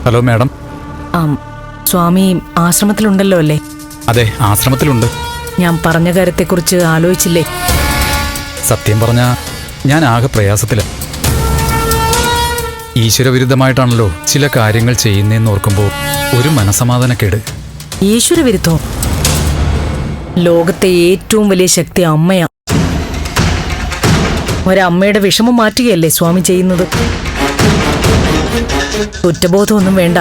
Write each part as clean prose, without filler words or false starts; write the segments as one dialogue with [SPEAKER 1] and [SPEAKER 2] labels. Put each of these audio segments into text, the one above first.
[SPEAKER 1] Hello madam.
[SPEAKER 2] സ്വാമി ആശ്രമത്തിലുണ്ടല്ലോ അല്ലേ?
[SPEAKER 1] അതെ, ആശ്രമത്തിലുണ്ട്.
[SPEAKER 2] ഞാൻ പറഞ്ഞ കാര്യത്തെക്കുറിച്ച് ആലോചിച്ചില്ലേ?
[SPEAKER 1] സത്യം പറഞ്ഞ ഞാൻ ആകെ പ്രയാസത്തില. ഈശ്വരവിരുദ്ധമായിട്ടാണല്ലോ ചില കാര്യങ്ങൾ ചെയ്യുന്നതെന്ന് ഓർക്കുമ്പോൾ ഒരു മനസമാധാനക്കേട്.
[SPEAKER 2] ഈശ്വരവിരുദ്ധോ? ലോകത്തെ ഏറ്റവും വലിയ ശക്തി അമ്മയാ. ഒരമ്മയുടെ വിഷമം മാറ്റുകയല്ലേ സ്വാമി ചെയ്യുന്നത്. കുറ്റബോധമൊന്നും വേണ്ട.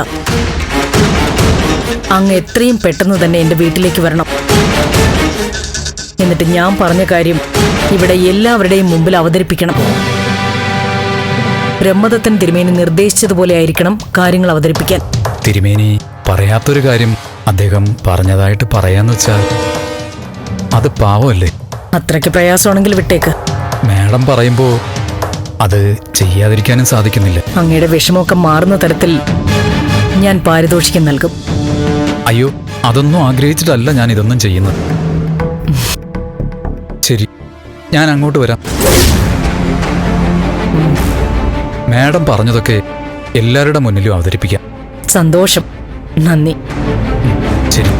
[SPEAKER 2] അങ്ങ് എത്രയും പെട്ടെന്ന് തന്നെ എന്റെ വീട്ടിലേക്ക് വരണം. എന്നിട്ട് ഞാൻ പറഞ്ഞ കാര്യം ഇവിടെ എല്ലാവരുടെയും മുമ്പിൽ അവതരിപ്പിക്കണം. ബ്രഹ്മദത്തൻ തിരുമേനി നിർദ്ദേശിച്ചതുപോലെ ആയിരിക്കണം കാര്യങ്ങൾ അവതരിപ്പിക്കാൻ.
[SPEAKER 1] തിരുമേനി പറയാത്തൊരു കാര്യം അദ്ദേഹം പറഞ്ഞതായിട്ട് പറയാന്ന് വെച്ചാൽ അത് പാവമല്ലേ?
[SPEAKER 2] അത്രയ്ക്ക് പ്രയാസമാണെങ്കിൽ വിട്ടേക്ക്.
[SPEAKER 1] മാഡം പറയുമ്പോ അത് ചെയ്യാതിരിക്കാനും സാധിക്കുന്നില്ല.
[SPEAKER 2] അങ്ങയുടെ വിഷമമൊക്കെ മാറുന്ന തരത്തിൽ ഞാൻ പാരിതോഷികം നൽകും.
[SPEAKER 1] അയ്യോ, അതൊന്നും ആഗ്രഹിച്ചിട്ടല്ല ഞാൻ ഇതൊന്നും ചെയ്യുന്നത്. ശരി, ഞാൻ അങ്ങോട്ട് വരാം. മാഡം പറഞ്ഞതൊക്കെ എല്ലാവരുടെ മുന്നിലും അവതരിപ്പിക്കാം.
[SPEAKER 2] സന്തോഷം. നന്ദി.
[SPEAKER 1] ശരി.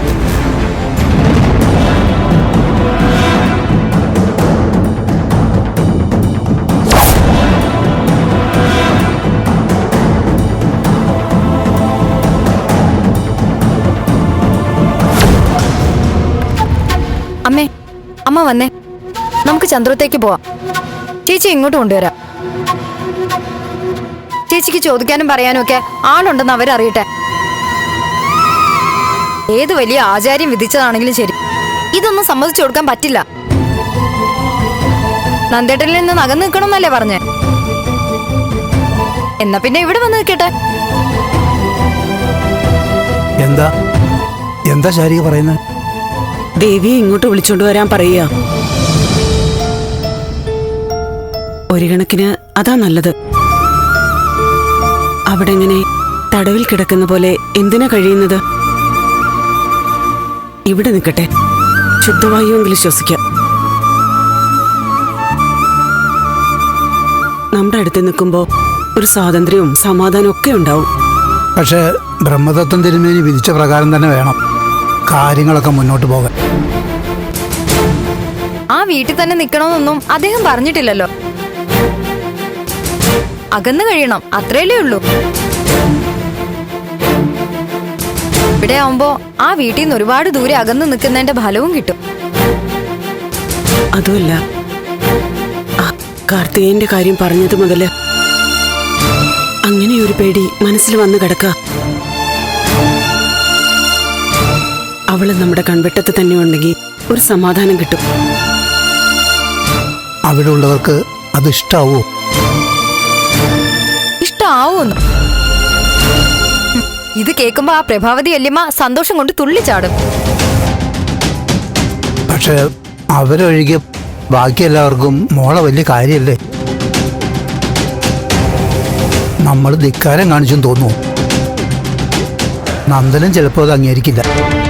[SPEAKER 3] അമ്മേ, അമ്മ വന്നേ, നമുക്ക് ചന്ദ്രത്തേക്ക് പോവാം. ചേച്ചി ഇങ്ങോട്ട് കൊണ്ടുവരാം. ചേച്ചിക്ക് ചോദിക്കാനും പറയാനും ഒക്കെ ആളുണ്ടെന്ന് അവരറിയട്ടെ. ഏത് വലിയ ആചാര്യം വിധിച്ചതാണെങ്കിലും ശരി, ഇതൊന്നും സമ്മതിച്ചു കൊടുക്കാൻ പറ്റില്ല. നന്ദേട്ടനിൽ നിന്ന് അകന്ന് നിൽക്കണമെന്നല്ലേ പറഞ്ഞേ? എന്നാ പിന്നെ ഇവിടെ വന്ന് നിൽക്കട്ടെ.
[SPEAKER 4] എന്താ എന്താ ശാരിക പറയുന്നത്?
[SPEAKER 5] ദേവിയെ ഇങ്ങോട്ട് വിളിച്ചോണ്ട് വരാൻ പറയുക. ഒരു കണക്കിന് അതാ നല്ലത്. അവിടെ ഇങ്ങനെ തടവിൽ കിടക്കുന്ന പോലെ എന്തിനാ കഴിയുന്നത്? ഇവിടെ നിൽക്കട്ടെ, ശുദ്ധവായുവെങ്കിലും ശ്വസിക്കാം. നമ്മുടെ അടുത്ത് നിൽക്കുമ്പോ ഒരു സ്വാതന്ത്ര്യവും സമാധാനവും ഒക്കെ ഉണ്ടാവും.
[SPEAKER 4] പക്ഷേ ബ്രഹ്മദത്തൻ തിരുമേനി വിധിച്ച പ്രകാരം തന്നെ വേണം കാര്യങ്ങളൊക്കെ മുന്നോട്ട് പോകാൻ.
[SPEAKER 3] ആ വീട്ടിൽ തന്നെ നിൽക്കണമെന്നൊന്നും അദ്ദേഹം പറഞ്ഞിട്ടില്ലല്ലോ. അകന്നു കഴിയണം, അത്രയല്ലേ ഉള്ളൂ. ഇവിടെ ആവുമ്പോ ആ വീട്ടിൽ നിന്ന് ഒരുപാട് ദൂരെ അകന്നു നിൽക്കുന്നതിന്റെ ഫലവും കിട്ടും.
[SPEAKER 5] അതുമല്ല, കാർത്തികേയന്റെ കാര്യം പറഞ്ഞത് മുതല് അങ്ങനെയൊരു പേടി മനസ്സിൽ വന്നു കിടക്ക. അവള് നമ്മുടെ കൺവെട്ടത്ത് തന്നെ ഉണ്ടെങ്കിൽ ഒരു സമാധാനം കിട്ടും.
[SPEAKER 4] അവിടെ ഉള്ളവർക്ക് അത് ഇഷ്ടാവോ?
[SPEAKER 3] ഇഷ്ടാവൂന്ന് ഇത് കേൾക്കുമ്പോ ആ പ്രഭാവതി വല്യമ്മ സന്തോഷം കൊണ്ട് തുള്ളിച്ചാടും.
[SPEAKER 4] പക്ഷെ അവരൊഴികെ ബാക്കി എല്ലാവർക്കും മോളെ വലിയ കാര്യല്ലേ? നമ്മൾ ധിക്കാരം കാണിച്ചെന്ന് തോന്നുന്നു. നന്ദനും ചിലപ്പോൾ അത് അംഗീകരിക്കില്ല.